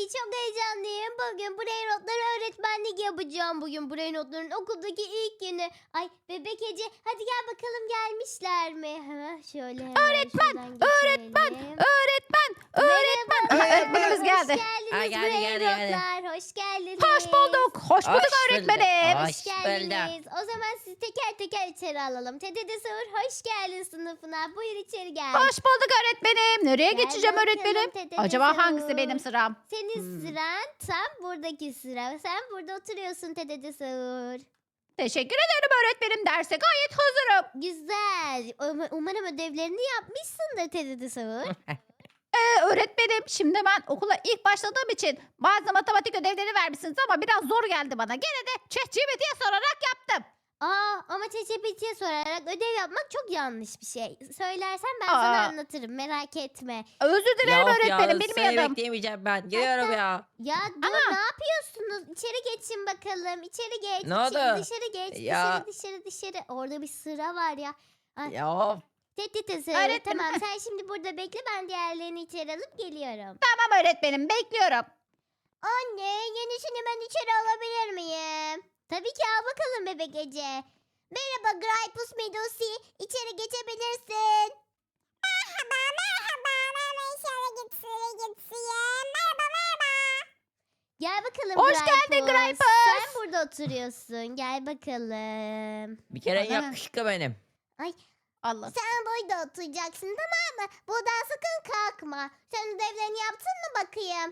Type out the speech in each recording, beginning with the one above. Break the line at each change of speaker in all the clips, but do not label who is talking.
çok heyecanlıyım. Bugün brain notları öğretmenlik yapacağım. Bugün brain notların okuldaki ilk günü. Ay bebek Ece hadi gel bakalım gelmişler mi? Hemen şöyle hemen
Öğretmen,
öğretmen.
öğretmen. Öğretmenimiz
Hoş
geldi.
geldiniz
Ay, geldi,
brain
geldi, geldi.
notlar. Hoş geldiniz.
Hoş bulduk. Hoş bulduk
Hoş
öğretmenim.
bulduk.
Hoş
Hoş
geldiniz. O zaman sizi teker teker içeri alalım. Tete Sığır hoş geldin sınıfına. Buyur içeri gel.
Hoş bulduk öğretmenim. Nereye
Gel
geçeceğim
bakalım
öğretmenim?
Tete
Acaba
Sığır.
hangisi benim sıram?
Senin sıran tam buradaki sıra. Sen burada oturuyorsun Tete Sığır.
Teşekkür ederim öğretmenim. Derse gayet hazırım.
Güzel. Umarım ödevlerini yapmışsındır Tete Sığır.
Öğretmenim şimdi ben okula ilk başladığım için bazı matematik ödevleri vermişsiniz ama biraz zor geldi bana. Gene de ChatGPT'ye sorarak yaptım.
Ama ChatGPT'ye sorarak ödev yapmak çok yanlış bir şey. Söylersen ben sana anlatırım. Merak etme.
Özür dilerim öğretmenim
Seni
bilmiyordum.
bekleyemeyeceğim ben. Geliyorum ya.
Ya dur ne yapıyorsunuz? İçeri geçin bakalım. İçeri geç.
Ne oldu?
Dışarı geç.
Ya.
Dışarı. Orada bir sıra var ya. Ay,
Ya of.
Tete
Öğretmenim.
tamam sen şimdi burada bekle ben diğerlerini içeri alıp geliyorum.
Tamam öğretmenim bekliyorum.
Anne yenisini ben içeri alabilir miyim? Tabii ki al bakalım bebek Ece. Merhaba Gripus Medusi. İçeri geçebilirsin. Merhaba. Ben içeri geçeyim. Merhaba. Gel bakalım
Hoş geldin Gripus.
Sen burada oturuyorsun. Gel bakalım.
Bir kere
Bana ne?
yakışıklı benim.
Allah.
Sen burada oturacaksın tamam mı? Buradan sakın kalkma. Sen ödevlerini yaptın mı bakayım?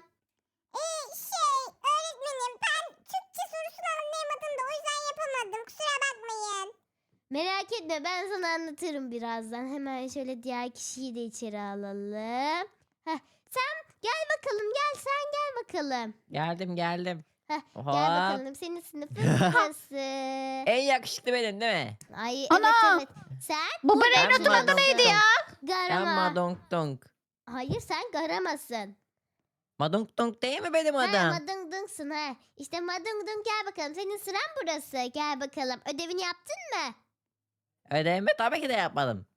Öğretmenim ben Türkçe sorusunu anlayamadım da o yüzden yapamadım. Kusura bakmayın. Merak etme ben sana anlatırım birazdan. Hemen şöyle diğer kişiyi de içeri alalım. Sen gel bakalım sen gel bakalım.
Geldim.
Gel
Oha.
bakalım senin sınıfın burası.
En yakışıklı benim değil mi?
Ay
Ana!
evet. Sen
Bu brain
Ben
notun adı
buldum.
neydi ya?
Garama.
Ben Madong Dong.
Hayır sen garamasın.
Madong Dong değil mi benim
Ha,
adam?
madungdungsun ha. İşte madungdung gel bakalım. Senin sıran burası. Gel bakalım. Ödevini yaptın mı?
Ödevimi tabii ki de yapmadım.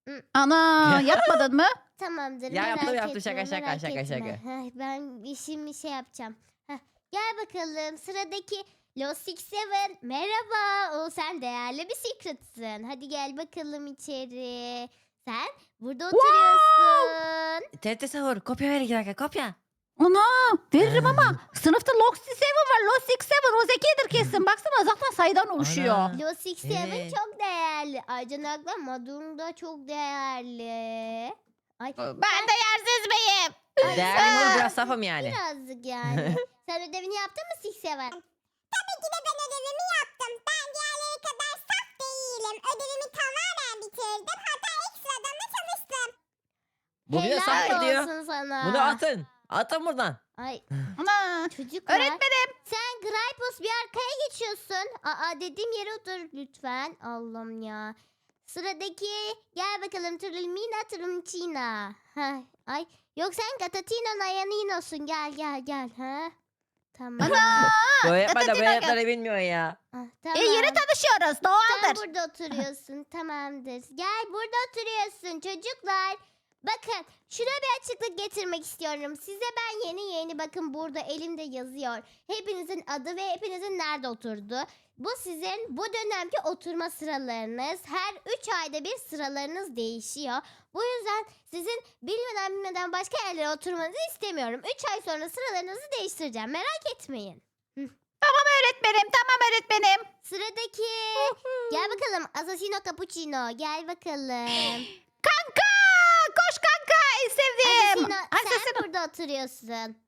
Ana yapmadın mı?
Tamamdır.
Ya,
merak
yaptım,
etme,
şaka,
merak
şaka.
etme. Heh, ben işimi şey yapacağım. Gel bakalım. Sıradaki Lost 67. Merhaba. Sen değerli bir secret'sın. Hadi gel bakalım içeri. Sen burada oturuyorsun.
TRT Sahur. Kopya ver 2 dakika kopya.
Ana veririm ama sınıfta Lost 7 var. Lost 67 o zekidir kesin. Baksana zaten sayıdan oluşuyor.
Ana.
Lost 67
Evet.
çok değerli. Ayrıca Madung da çok değerli. Ay,
Ben de yersiz miyim?
Değerli mi biraz safım yani.
birazcık yani. Sen ödevini yaptın mı Sixseven? Tabii ki de ben ödevimi yaptım. Ben diğerleri kadar saf değilim. Ödevimi tamamen bitirdim. Hatta ekstradan da çalıştım.
Bu bir de saf
Helal
gidiyor.
olsun sana.
Bunu atın. Atın buradan.
Ay
Ana.
çocuklar.
Öğretmenim.
Sen Gripus bir arkaya geçiyorsun. Dediğim yere otur lütfen. Allah'ım ya. Sıradaki gel bakalım Trulmina Trumcina. Ay yok sen Gatatino Nayanino'sun. Gel. Tamam.
Ana.
Bu yapma da
Gatatino
böyle yapları bilmiyor ya.
Tamam.
Yeni tanışıyoruz.
Sen
Doğaldır.
burada oturuyorsun. Tamamdır. Gel burada oturuyorsun çocuklar. Bakın şuna bir açıklık getirmek istiyorum. Size ben yeni bakın burada elimde yazıyor. Hepinizin adı ve hepinizin nerede oturduğu. Bu sizin bu dönemki oturma sıralarınız. Her 3 ayda bir sıralarınız değişiyor. Bu yüzden sizin bilmeden başka yerlere oturmanızı istemiyorum. 3 ay sonra sıralarınızı değiştireceğim. Merak etmeyin.
Öğretmenim tamam öğretmenim.
Sıradaki gel bakalım Assassino Cappuccino gel bakalım.
Kanka. Koş kanka. En sevdiğim.
Assassino sen
Assassino.
burada oturuyorsun.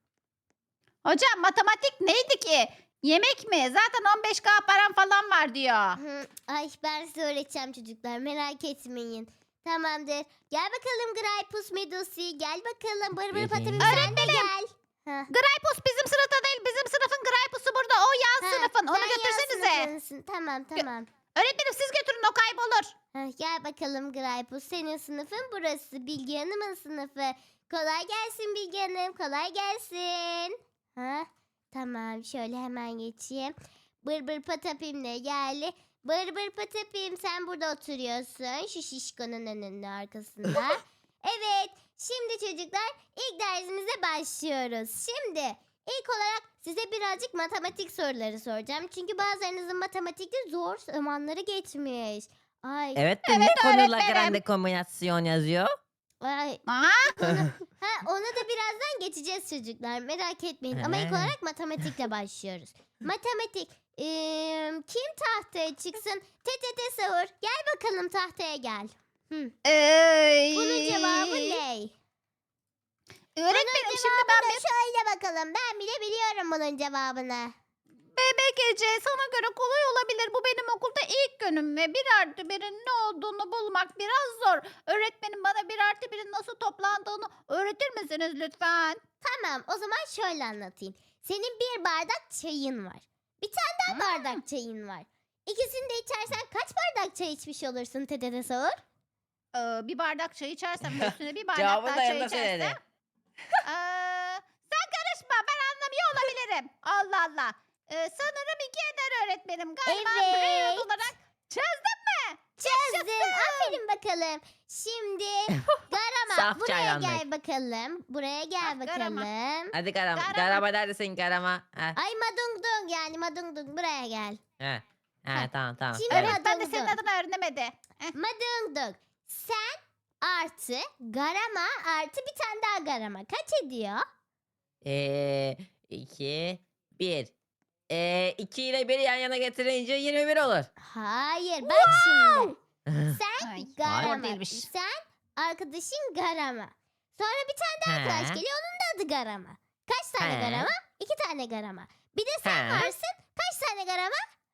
Hocam matematik neydi ki? Yemek mi? Zaten 15K param falan var diyor.
Ay ben size öğreteceğim çocuklar merak etmeyin. Tamamdır. Gel bakalım Gripus Medusi. Gel bakalım. Bır bır patapim sen de gel.
Gripus bizim sınıfta değil. Bizim sınıfın Gripus'u burada. O yan sınıfın. Onu
sen yan
götürsenize.
sınıfısın. Tamam.
Öğretmenim siz götürün o kaybolur.
Gel bakalım Gripus. Senin sınıfın burası. Bilge Hanım'ın sınıfı. Kolay gelsin Bilge Hanım. Kolay gelsin. Tamam şöyle hemen geçeyim. Bır bır patapim de geldi. Bır bır patapim sen burada oturuyorsun. Şu şişkonun önünün arkasında. Evet. Şimdi çocuklar ilk dersimize başlıyoruz. Şimdi İlk olarak size birazcık matematik soruları soracağım. Çünkü bazılarınızın matematikte zor zamanları geçmiş. Ay,
Evet de ne
Evet,
konuyla
öğretmenim.
grande kombinasyon yazıyor?
ay.
Aa,
Ona da birazdan geçeceğiz çocuklar. Merak etmeyin. Ama ilk
He.
olarak matematikle başlıyoruz. Matematik. Kim tahtaya çıksın? TTT Sahur. Gel bakalım tahtaya gel. Hı. Bunun cevabı ne?
Öğretmenim şimdi ben bir
Şöyle bakalım. Ben bile biliyorum bunun cevabını.
bebek Ece sana göre kolay olabilir. Bu benim okulda ilk günüm ve 1+1'in ne olduğunu bulmak biraz zor. Öğretmenim bana 1+1'in nasıl toplandığını öğretir misiniz lütfen?
Tamam, o zaman şöyle anlatayım. Senin bir bardak çayın var. Bir tane daha bardak çayın var. İkisini de içersen kaç bardak çay içmiş olursun TTT Sahur?
Bir bardak çay içersem ve üstüne bir bardak
Cevabını
daha
da
çay
yanında söyledi.
içersem. Sen karışma ben anlamıyor olabilirim. Allah Allah. Sanırım 2 eder öğretmenim. Galiba
Evet.
Braille olarak çözdüm mü?
Çözdün. Aferin bakalım. Şimdi Garama
Saf
buraya
çaydanlık.
gel bakalım. Buraya gel
Ah, Garama.
bakalım.
Hadi Garama.
Garama.
Garama neredesin Garama? Ha.
Ay Madung Dung yani Madung Dung buraya gel.
Ha. Ha, tamam tamam.
Şimdi
Evet.
Öğretmen de senin
Madung
adını öğrenemedi.
Madung Dung. Sen artı Garama artı bir tane daha Garama. Kaç ediyor?
2, 1. 2 ile 1'i yan yana getirince 21 olur.
Hayır bak şimdi. Sen
Ay,
Garama.
zor değilmiş.
Sen arkadaşın Garama. Sonra bir tane daha arkadaş
Ha.
geliyor onun da adı Garama. Kaç tane
He.
Garama? 2 tane Garama. Bir de sen
He.
varsın. Kaç tane Garama?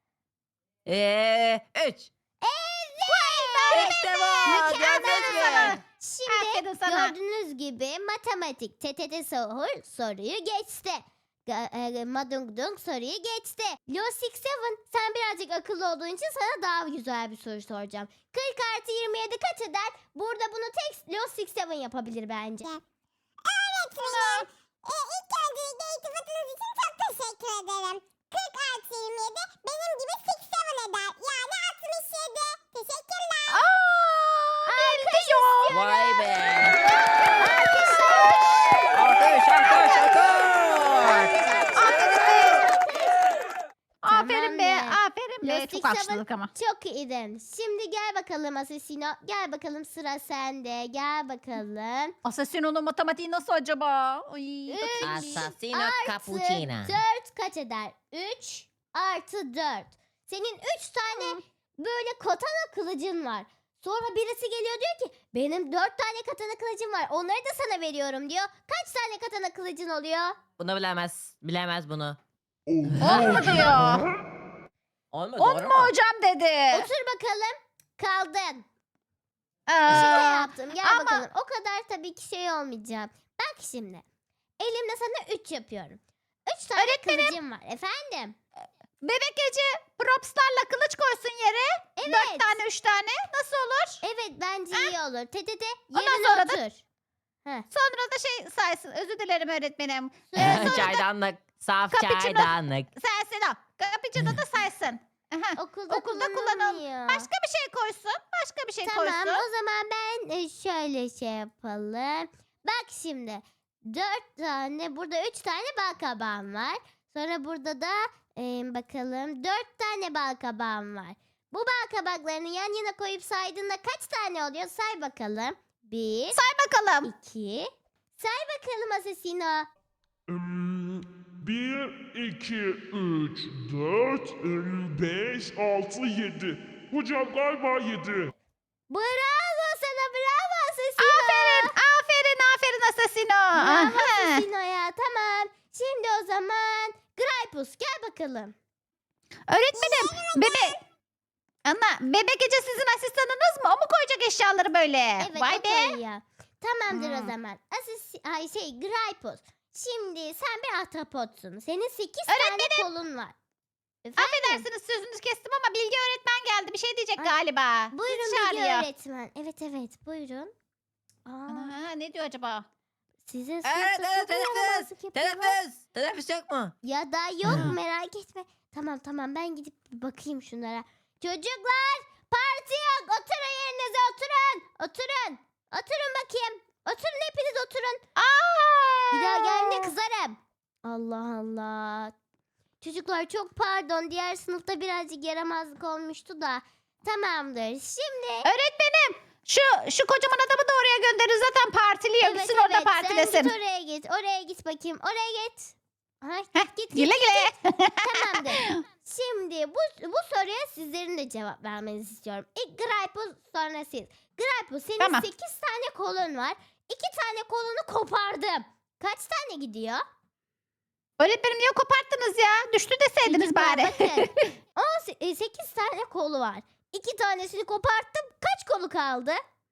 3.
Evet.
İşte bu.
Mükemmel
Gördünüz
sana.
mü?
Şimdi
Aferin sana.
gördüğünüz gibi matematik TTT Sahur soruyu geçti. Madung Dung soruyu geçti. Lo 67 sen birazcık akıllı olduğun için sana daha güzel bir soru soracağım. 40 artı 27 kaç eder? Burada bunu tek Lo 67 yapabilir bence.
Öğretmenim, ilk öncelikle iltifatınız için çok teşekkür ederim. 40 artı 27 benim gibi 67 eder. Yani 67. Teşekkürler.
Biliyor.
Vay be. Alkış alkış alkış.
Aferin be,
Tamamdır.
aferin be.
Lastik
Çok
sabun-
haksızlık ama.
Çok iyiydin. Şimdi gel bakalım Asesino. Gel bakalım sıra sende. Gel bakalım.
Assassino'nun matematiği nasıl acaba? Ay,
Üç
bakayım.
Assassino
artı
cappuccino.
4 kaç eder? 3 artı 4. Senin 3 tane böyle katana kılıcın var. Sonra birisi geliyor diyor ki benim 4 tane katana kılıcım var. Onları da sana veriyorum diyor. Kaç tane katana kılıcın oluyor?
Bunu bilemez. Bilemez bunu.
10 mu diyor?
Olmadı
10
doğru
mu
mu?
hocam dedi.
Otur bakalım. Kaldın.
Aa,
Şaka yaptım. Gel
ama-
bakalım. O kadar tabii ki şey olmayacağım. Bak şimdi. Elimde sana 3 yapıyorum. 3 tane kılıcım var. Efendim?
Bebek Ece propslarla kılıç koysun yere.
Evet.
4 tane 3 tane. Nasıl olur?
Evet bence iyi olur. TTT
Ondan
yerine
sonra da-
otur.
Sonra da şey saysın. Özür dilerim öğretmenim.
Çaydanlık. Saf
Cappuccino.
çaydanlık.
Sensin o. Cappuccino da saysın. Aha.
Okulda
kullanalım.
kullanılmıyor.
Başka bir şey koysun. Başka bir şey
Tamam
koysun.
o zaman ben şöyle şey yapalım. Bak şimdi 4 tane burada 3 tane bal kabağım var. Sonra burada da bakalım 4 tane bal kabağım var. Bu bal kabaklarını yan yana koyup saydığında kaç tane oluyor? Say bakalım. 1,
Say bakalım.
2. Say bakalım Asesino.
1, 2, 3, 4, 5, 6, 7. Hocam galiba 7.
Bravo sana bravo Asesino.
Aferin. Aferin. Aferin Assassino.
Bravo
Aha.
Asesino ya tamam. Şimdi o zaman Gripus gel bakalım.
Öğretmenim. Bebek Ece sizin asistanınız mı? O mu koyacak eşyaları böyle?
Evet
Vay
o
be.
koyuyor. Tamamdır o
Hmm.
zaman. Gripus. Şimdi sen bir ahtapotsun. Senin 8 tane kolun var. Efendim?
Affedersiniz sözünüzü kestim ama Bilge öğretmen geldi. Bir şey diyecek
Ay,
galiba.
Buyurun
Sizi
Bilge
çağırıyor.
öğretmen. Evet buyurun. Aa,
Ana, ne diyor acaba?
sizin
Evet
sınıfta
evet
çok
teneffüs.
yaramazlık yapıyorlar.
Teneffüs. Teneffüs yok mu?
Ya da yok merak etme. Tamam ben gidip bir bakayım şunlara. Çocuklar parti yok. Oturun yerinize oturun. Oturun bakayım. Oturun hepiniz oturun.
Aa!
Bir daha geldiğinde kızarım. Allah Allah. Çocuklar çok pardon. Diğer sınıfta birazcık yaramazlık olmuştu da. Tamamdır. Şimdi
Öğretmenim şu kocaman adamı da oraya gönderin zaten partiliyor. Gitsin orada
sen
partilesin.
git oraya git. Oraya git bakayım. Oraya git. Ha,
Heh,
git
güle güle.
Tamamdır. Şimdi bu soruya sizlerin de cevap vermenizi istiyorum. İlk Graypo sonra siz. Graypo senin
Tamam.
8 tane kolun var. 2 tane kolunu kopardım. Kaç tane gidiyor?
Öğretmenim niye koparttınız ya? Düştü deseydiniz
Çocuklar
bari.
bakın. 8 tane kolu var. 2 tanesini koparttım. Kaç kolu kaldı?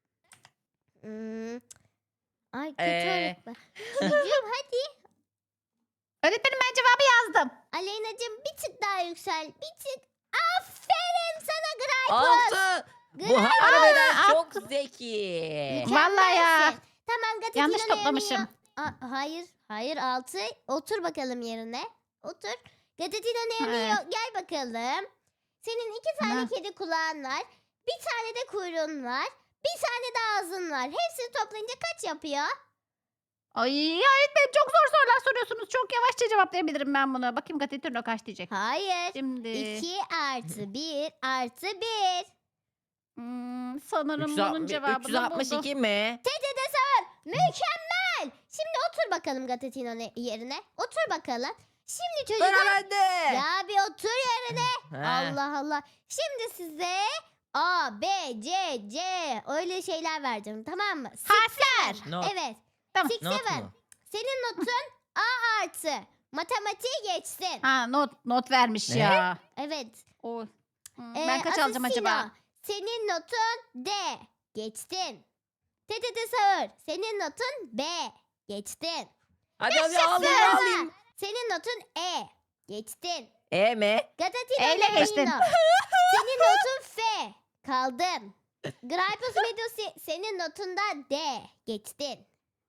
Ay kötü
Ee.
öğretmen. Çocuğum hadi.
Öğretmenim ben cevabı yazdım.
Aleyna'cığım bir tık daha yüksel. Bir tık. Aferin sana Graypus.
6. Bu
Graypus.
harbiden çok zeki.
Vallahi ya.
Mükemmelsin. Tamam Gazetino'nun
Yanlış
yerine
toplamışım.
Hayır 6. Otur bakalım yerine. Otur. Gazetino'nun yerine
Ha.
gel bakalım. Senin 2 tane
Ha.
kedi kulağın var. Bir tane de kuyruğun var. Bir tane de ağzın var. Hepsini toplayınca kaç yapıyor?
Ay öğretmenim çok zor sorular soruyorsunuz. Çok yavaşça cevaplayabilirim ben bunu. Bakayım Gazetino kaç diyecek.
Hayır.
Şimdi
2 artı 1 artı 1.
sanırım bunun cevabını buldum.
362 mi?
TTT sor. Mükemmel. Şimdi otur bakalım Gazetino'nun yerine. Otur bakalım. Şimdi
Sıra
çocuklar.
bende.
Ya bir otur yerine.
Ha.
Allah Allah. Şimdi size A, B, C, C öyle şeyler vereceğim tamam mı?
Harfler.
Not.
Evet.
Tamam.
Six
Not
seven.
mu?
Senin notun A artı. Matematiği geçsin.
Ha not vermiş
Ne?
ya.
Evet.
Oy. Ben kaç alacağım
Asesino,
acaba?
senin notun D. Geçtin. TTT Sağır. Senin notun B. Geçtin.
Hadi hadi
Zıra,
alayım.
senin notun E. Geçtin.
E mi?
Gatatino
Eyle geçtin.
senin notun F. Kaldın. Gripus Medusi senin notunda D. Geçtin.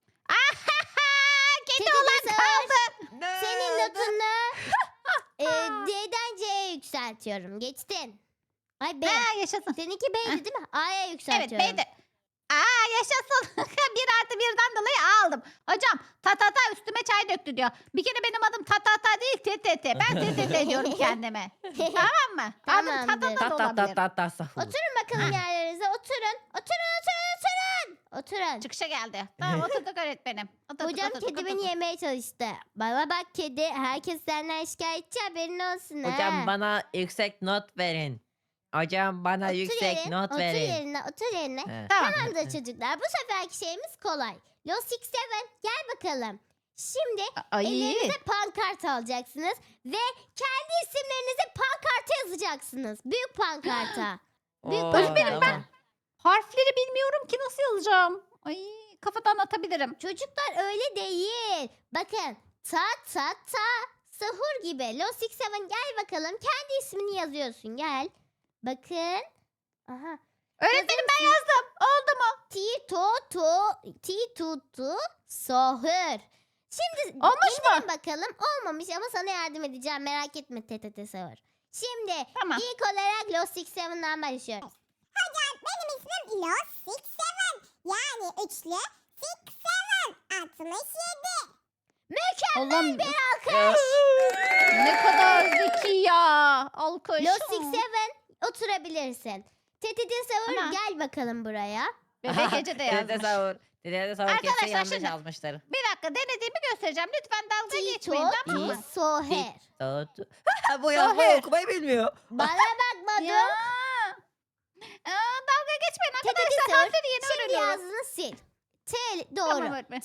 Kedi
TTT
olan
Sağır,
kaldı.
senin notunu D'den C'ye yükseltiyorum. Geçtin. Ay B.
Ha yaşasın.
Seninki B'ydi değil mi? A'ya
Evet
yükseltiyorum.
beydi. Yaşasın. 1 artı 1'den dolayı A aldım. Hocam ta üstüme çay döktü diyor. Bir kere benim adım ta değil TTT. Ben TTT diyorum kendime. Tamam mı? Adım
Tamamdır.
ta da olabilir.
Sahur.
Oturun bakalım yerlerinize. Oturun. Oturun.
Çıkışa geldi. Tamam oturduk öğretmenim.
Hocam kedi beni yemeye çalıştı. Bana bak kedi. Herkes senden şikayetçi haberin olsun ha.
Hocam bana yüksek not verin. Hocam bana yüksek not
otur
verin.
yerine. Otur yerine.
He.
Tamam.
Tamamdır çocuklar. Bu seferki şeyimiz kolay. Los Six Seven gel bakalım. Şimdi
Ay.
ellerinize pankart alacaksınız. Ve kendi isimlerinizi pankarta yazacaksınız. Büyük pankarta. Büyük
Oo,
pankarta.
tamam.
Harfleri bilmiyorum ki nasıl yazacağım. Ay kafadan atabilirim.
Çocuklar öyle değil. Bakın ta sahur gibi. Los Six Seven gel bakalım. Kendi ismini yazıyorsun gel. Bakın. Aha.
Öğretmenim ben yazdım. Oldu mu?
Ti tu sahur. Şimdi
Olmuş mu?
indirin bakalım. Olmamış ama sana yardım edeceğim. Merak etme TTT sahur. Şimdi
Tamam.
ilk olarak Los Six Seven'dan başlıyoruz.
Hocam benim ismim Los Six Seven. Yani üçlü Six Seven. 67.
Allah'ım
Alkış.
ne kadar zeki ya. Alkış.
Los Six Seven oturabilirsin. TTT Sahur
Ana.
gel bakalım buraya.
Bebek Ece de yazmış.
Dede sahur kesin
Arkadaşlar
yanlış
şimdi-
yazmıştır.
Bir dakika denediğimi göstereceğim. Lütfen dalga
Tito
geçmeyin. Tamam mı?
Soher.
Bu yazmayı okumayı bilmiyor.
Bana bakma
Ya.
dur.
Dalga geçmeyin
TTT
arkadaşlar.
Sahur.
Harfleri yeni
Şimdi
öğreniyorum.
yazdığını sil. T doğru.
Tamam öğretmen.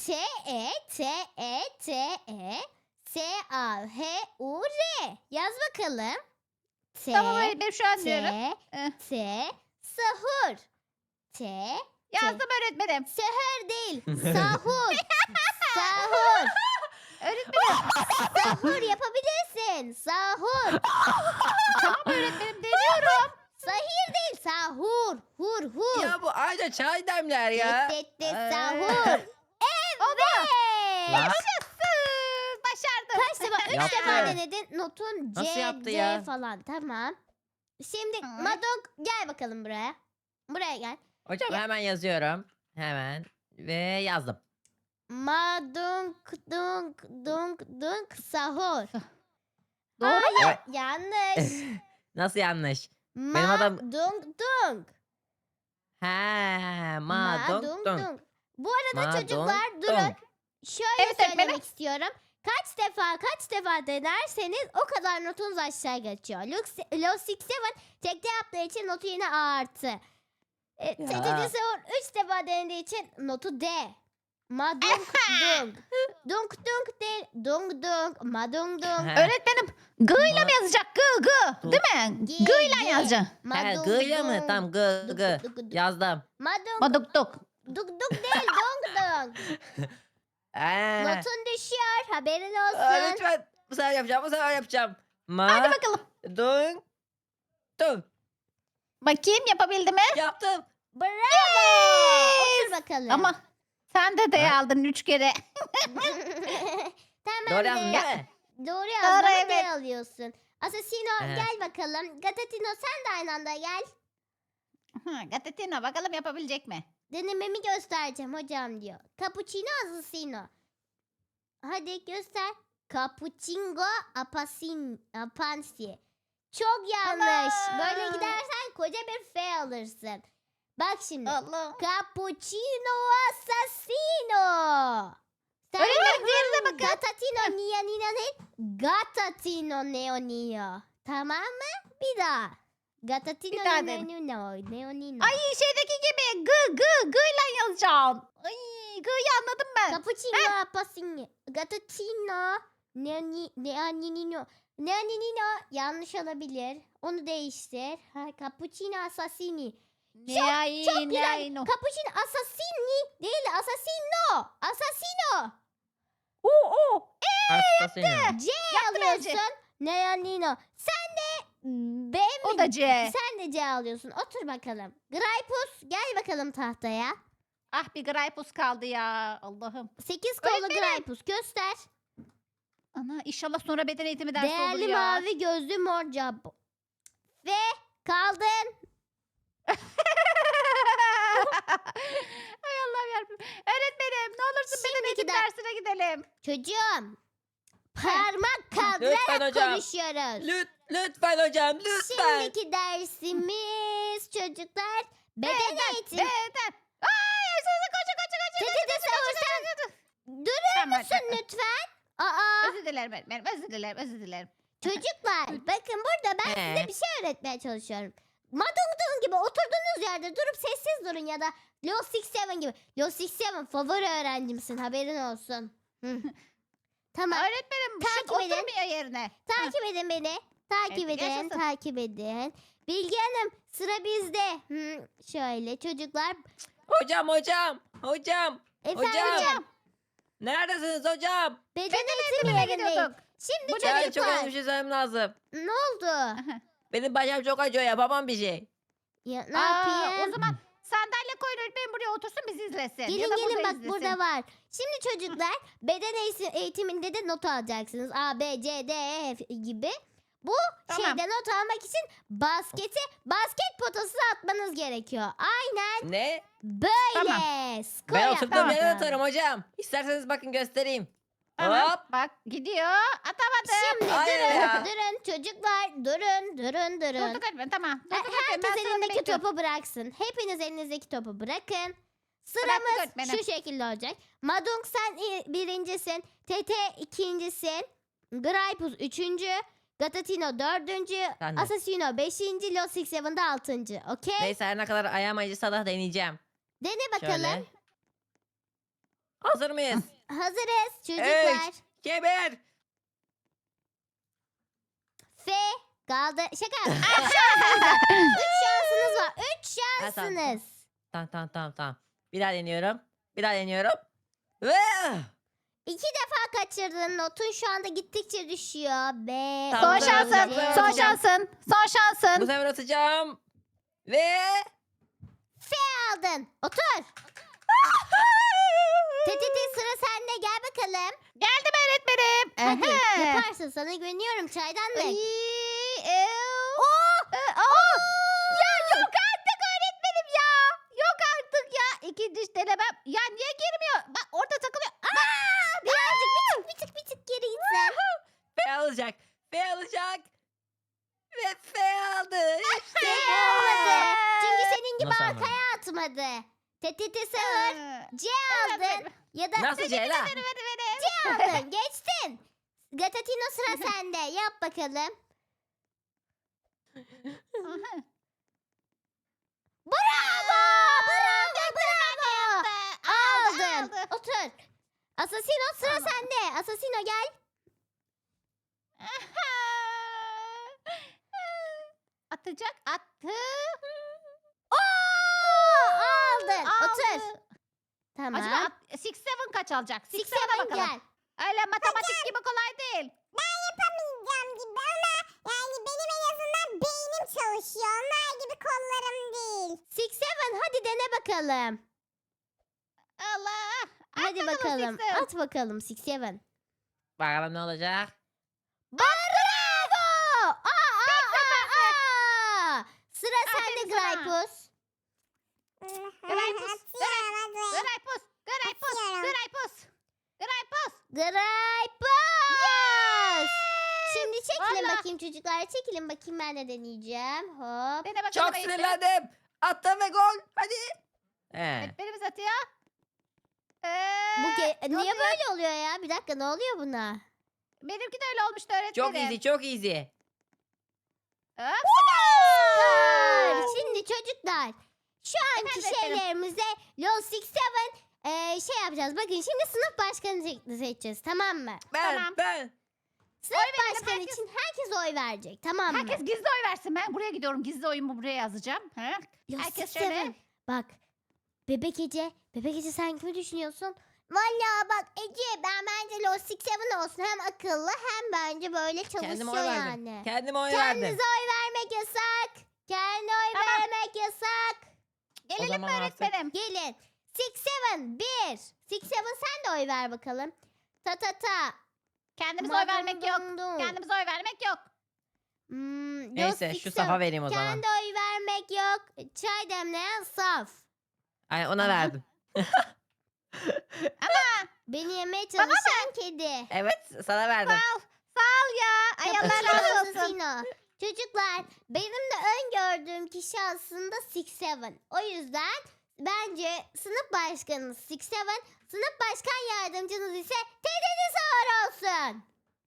T-E-S-A-H-U-R. Yaz bakalım.
Tamam öğretmenim şu an diyorum.
T sahur. T
Yazdım öğretmenim.
Seher değil. Sahur. Sahur.
Öğretmenim.
Sahur yapabilirsin. Sahur.
Tamam öğretmenim deniyorum.
Sahir değil. Sahur. Hur.
Ya bu ayrıca çay demler ya.
Tet sahur.
Oldu.
Evet.
Lan.
Yaşasın. Başardım.
Kaç defa? 3
Yaptı.
defa denedin. Notun C,
Nasıl yaptı
D
ya?
falan. Tamam. Şimdi
Hı.
Madok gel bakalım buraya. Buraya gel.
Hocam hemen yazıyorum. Hemen. Ve yazdım.
Madunk dunk dunk dunk sahur.
Doğru mu?
Hayır, yanlış.
Nasıl yanlış? Benim adam-
Dunk dunk.
He, ma dong
Dunk
dong.
dunk. Bu arada
Ma
çocuklar
dong
durun.
dong.
Şöyle
Evet, öğretmenim.
söylemek istiyorum. Kaç defa denerseniz o kadar notunuz aşağı geçiyor. Low 67 tekte yaptığı için notu yine A artı. TTT Savur 3 defa denediği için notu D. Madung dung. Dung dung değil. Dung dung. Madung dung.
He.
Öğretmenim G ile mi yazacak? G, G. Değil mi?
G,
G ile
G.
yazacak.
He,
Madung
gıyla mı?
dung.
Tamam, gı
Duk,
gı.
duk, duk.
Yazdım.
Madung
Maduk duk.
duk duk değil. Dung dung.
He.
Notun düşüyor. Haberin
Aa,
olsun.
lütfen. Bu sefer yapacağım, bu sefer yapacağım.
Hadi
Ma
bakalım.
dong dong.
Bakayım yapabildi mi?
Yaptım.
Bravo. Otur bakalım.
Ama sen de D aldın 3 kere.
Tamam
Doğru yazdım
be.
değil mi?
Doğru yazdın ama
evet.
D alıyorsun. Asasino
Evet.
gel bakalım. Gatatino sen de aynı anda gel.
Gatetino bakalım yapabilecek mi?
Denememi göstereceğim hocam diyor. Cappuccino asasino. Hadi göster. Cappuccino apansi. Çok yanlış.
Ana!
Böyle gidersen koca bir F alırsın. Bak şimdi.
Allah.
Cappuccino assassino. Sen
Öğretmenim diğerine bakın.
Gatatino neo neo değil. Gatatino neo neo. Tamam mı? Bir daha. Gatatino
Bir daha
neo
dedim.
neo neo neo.
Ay şeydeki gibi G ile yazacağım. Ay G'yi anladım ben.
Cappuccino appassino. Gatatino neo neo neo neo. Yanlış olabilir. Onu değiştir. Ha, cappuccino assassini. Çok güzel. Cappuccino assassini değil, assassino. Assassino.
Oo.
Assassino.
C alıyorsun. Neo nino. Sen de B mi?
O da C.
Sen de C alıyorsun. Otur bakalım. Graypus gel bakalım tahtaya.
Ah bir Graypus kaldı ya. Allah'ım.
8 kollu
Öğretmenim.
Graypus göster.
Ana inşallah sonra beden eğitimi dersi olur
Değerli
ya.
mavi gözlü mor cabo. Ve kaldın.
Ay Allah'ım yarabbim. Öğretmenim ne olursun beden
Şimdiki
eğitimi
de-
dersine gidelim.
Çocuğum. Parmak
Lütfen
kaldırarak
hocam.
konuşuyoruz.
Lütfen hocam, lütfen.
Şimdiki dersimiz çocuklar beden eğitimi.
Beden. Ay hırsızı koşun.
TTT Savur sen durur
Tamam,
musun lütfen? Aa
Özür dilerim öğretmenim. Özür dilerim.
çocuklar bakın burada ben size bir şey öğretmeye çalışıyorum. Madungdung gibi oturduğunuz yerde durup sessiz durun ya da Low 67 gibi. Low 67 favori öğrencimsin haberin olsun. Hı. Tamam
Öğretmenim
Takip
şık
edin.
oturmuyor yerine.
takip edin beni. Takip
Evet,
edin
yaşasın.
takip edin. Bilge Hanım sıra bizde. Hı, şöyle çocuklar.
Hocam.
Efendim
Neredesiniz hocam?
beden
Eğitimine
eğitimi yerindeyim.
gidiyorduk.
Şimdi
Bu ne
Yani çok
çocuklar
önemli bir şey söylemem lazım.
ne oldu?
Benim başım çok acıyor, yapamam bir şey.
Ya, ne
Aa,
yapayım?
o zaman sandalye koyun öğretmenim buraya otursun bizi izlesin.
Gelin
ya da
gelin bak
izlesin.
burada var. Şimdi çocuklar beden eğitiminde de not alacaksınız. A, B, C, D, E F gibi. Bu
Tamam.
şeyde not almak için basket potası atmanız gerekiyor. Aynen
Ne?
böyle.
Tamam.
Skor
Ben oturduğum
yapmanız
yere
lazım.
atarım hocam. İsterseniz bakın göstereyim.
Tamam.
Hop.
Bak gidiyor. Atamadım.
Şimdi
Hayır
durun
ya.
durun çocuklar durun.
Durduk öğretmenim tamam. Durduk öğretmenim,
Herkes
ben sıramı
elindeki
bekliyorum.
topu bıraksın. Hepiniz elinizdeki topu bırakın.
Bıraktık
Sıramız
öğretmenim.
şu şekilde olacak. Madung sen birincisin. Tete ikincisin. Graypus üçüncü. Gatatino dördüncü.
Ben de.
Assassino beşinci. Low 67 de altıncı. Okey?
Neyse her ne kadar ayağım acısa da deneyeceğim.
Dene bakalım.
Şöyle. Hazır mıyız?
Hazırız çocuklar.
Keber.
F kaldı. Şaka. Üç şansınız var. Üç
Ha, tamam.
şansınız.
Tamam. Bir daha deniyorum. Ve
İki defa kaçırdın. Notun şu anda gittikçe düşüyor. B.
Tamam,
Son
ben
şansın.
atacağım, ben
Son
atacağım.
şansın. Son
bu
şansın.
sefer atacağım. Ve
Aldın. Otur. TTT sıra sende. Gel bakalım.
Geldim öğretmenim.
Hadi
Ehe.
yaparsın. Sana güveniyorum. Çaydanlık.
Ay,
Oh!
Ya yok artık öğretmenim ya. Yok artık ya. İkinci denemem. Ya niye girmiyor? Bak orada takılıyor.
alacak. F alacak. Ve F aldı. İşte bu.
Almadı. Çünkü senin gibi
Nasıl almadı?
arkaya atmadı. TTT sağır. C aldın. Ya da
Nasıl C la?
C aldın. Geçtin. Gatatino sıra sende. Yap bakalım. Bravo! Bravo! Bravo! Aldın. Otur. Asasino sıra sende. Asasino gel.
Atacak. Attı.
Aldın. Otur.
Aldı.
Tamam.
Acaba 6-7 kaç alacak? 6-7'e
6-7
bakalım.
gel.
Öyle matematik gibi kolay değil.
Ben yapamayacağım gibi ama yani benim en azından beynim çalışıyor. Onlar gibi kollarım değil.
6-7 hadi dene bakalım.
Allah.
Hadi bakalım. At bakalım 6-7.
Bakalım ne olacak?
Bravo! Aa! Sıra
Aferin
sende
sana.
Graypus.
Graypus,
Atıyorum hadi.
Graypus. Graypus.
Atıyorum.
Graypus. Graypus.
Graypus! Şimdi çekilin
Vallahi.
bakayım çocuklar. Çekilin bakayım ben de deneyeceğim. Hop.
Dene bakalım.
Çok
Ayşe.
sinirlendim. Attım ve gol. Hadi. He.
Evet, birimiz atıyor.
Bu
ne
niye
oluyor?
böyle oluyor ya? Bir dakika ne oluyor buna?
Benimki de öyle olmuştu öğretmenim.
Çok easy, çok easy.
Hop,
Süper! Şimdi çocuklar şu anki
Efendim,
şeylerimize LOL 6-7 şey yapacağız. Bakın şimdi sınıf başkanı seçeceğiz tamam mı?
Tamam.
Ben.
Sınıf
verelim,
başkanı
herkes-
için herkes oy verecek tamam mı?
Herkes gizli oy versin. Ben buraya gidiyorum. Gizli oyumu buraya yazacağım. Ha?
LOL
herkes
6-7.
şöyle.
Bak Bebek Ece. Bebek Ece sen kimi düşünüyorsun? Valla bak Ece ben bence LOL 6-7 olsun. Hem akıllı hem bence böyle
Kendime
çalışıyor
oy verdim.
yani.
Kendime oy
Kendinize
verdim.
oy vermek yasak. Kendi oy
Tamam.
vermek yasak.
Gelelim mi
zaman artık-
öğretmenim?
Gelin. 6-7 1. 6-7 sen de oy ver bakalım. Ta ta ta.
Kendimize oy vermek yok.
Dum dum.
Kendimize oy vermek yok.
LOL
Neyse şu
6-7.
safa vereyim o zaman.
Kendi oy vermek yok. Çay demleyen saf.
Ay ona verdim.
Beni yemeye çalışan kedi.
Evet sana verdim.
Sağ ol ya. Ay Allah razı olsun.
Sino. Çocuklar benim de öngördüğüm kişi aslında 6-7. O yüzden bence sınıf başkanınız 6-7, sınıf başkan yardımcınız ise TTT Sağır olsun.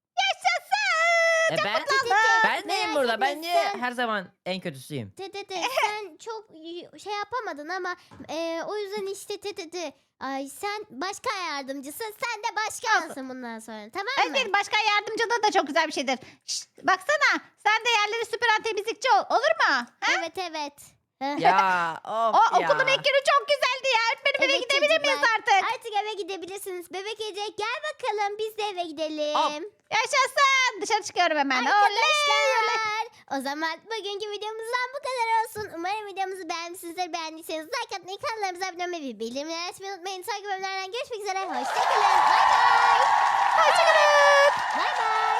Ben? Ben neyim
Merak
burada?
etme,
Ben niye
sen-
her zaman en kötüsüyüm?
TTT sen çok şey yapamadın ama o yüzden işte TTT. Ay sen başkan yardımcısın, sen de başkansın bundan sonra tamam mı?
Öğretmenim başkan yardımcılığı da çok güzel bir şeydir. Şşt, baksana sen de yerleri süpüren temizlikçi ol. Olur mu? Ha?
Evet evet.
Ya of
O
ya.
okulun ilk günü çok güzeldi ya. Öğretmenim eve
Evet
gidebilir miyiz
çocuklar.
artık?
Artık eve gidebilirsiniz. Bebek Ece gel bakalım biz de eve gidelim.
Hop.
Yaşasın. Dışarı çıkıyorum hemen. Oley, oley.
Arkadaşlar o zaman bugünkü videomuzdan bu kadar olsun. Umarım videomuzu beğenmişsinizdir. Beğendiyseniz like atmayı, kanallarımıza abone olmayı ve bildirimleri açmayı unutmayın. Sonraki bölümlerden görüşmek üzere. Hoşçakalın. Bay bay.
Hoşçakalın.
Bay bay.